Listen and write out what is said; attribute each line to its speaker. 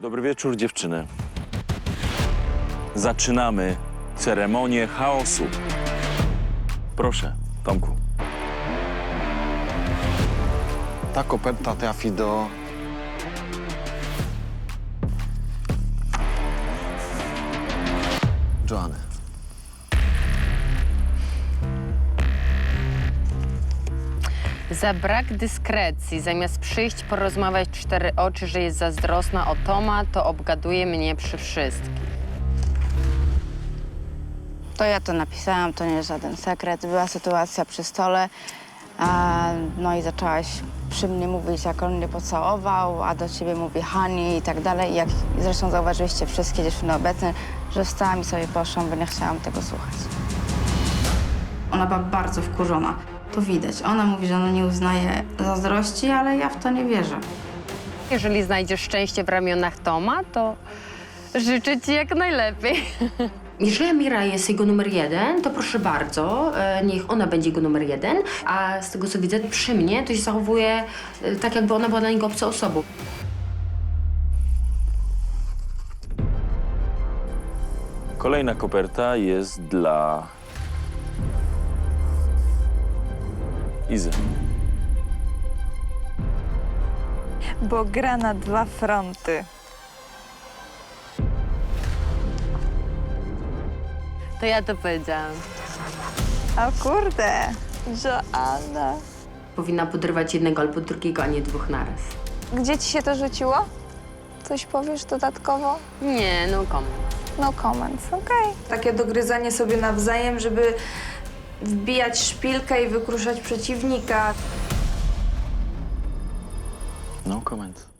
Speaker 1: Dobry wieczór, dziewczyny. Zaczynamy ceremonię chaosu. Proszę, Tomku.
Speaker 2: Ta koperta trafi do... Joanny.
Speaker 3: Za brak dyskrecji, zamiast przyjść porozmawiać w cztery oczy, że jest zazdrosna o Toma, to obgaduje mnie przy wszystkich.
Speaker 4: To ja to napisałam, to nie jest żaden sekret. Była sytuacja przy stole, no i zaczęłaś przy mnie mówić, jak on mnie pocałował, a do ciebie mówi Hani i tak dalej. Jak zresztą zauważyliście wszystkie dziewczyny obecne, że wstałam i sobie poszłam, bo nie chciałam tego słuchać. Ona była bardzo wkurzona. To widać. Ona mówi, że ona nie uznaje zazdrości, ale ja w to nie wierzę.
Speaker 3: Jeżeli znajdziesz szczęście w ramionach Toma, to życzę ci jak najlepiej.
Speaker 5: Jeżeli Amira jest jego numer jeden, to proszę bardzo, niech ona będzie jego numer jeden, a z tego co widzę przy mnie, to się zachowuje tak, jakby ona była dla niego obcą osobą.
Speaker 1: Kolejna koperta jest dla Izy.
Speaker 6: Bo gra na dwa fronty.
Speaker 3: To ja to powiedziałam.
Speaker 6: O kurde, Joanna.
Speaker 5: Powinna podrywać jednego albo drugiego, a nie dwóch naraz.
Speaker 6: Gdzie ci się to rzuciło? Coś powiesz dodatkowo?
Speaker 3: Nie, no komu.
Speaker 6: No comments, okej.
Speaker 7: Takie dogryzanie sobie nawzajem, żeby wbijać szpilkę i wykruszać przeciwnika.
Speaker 1: No comment.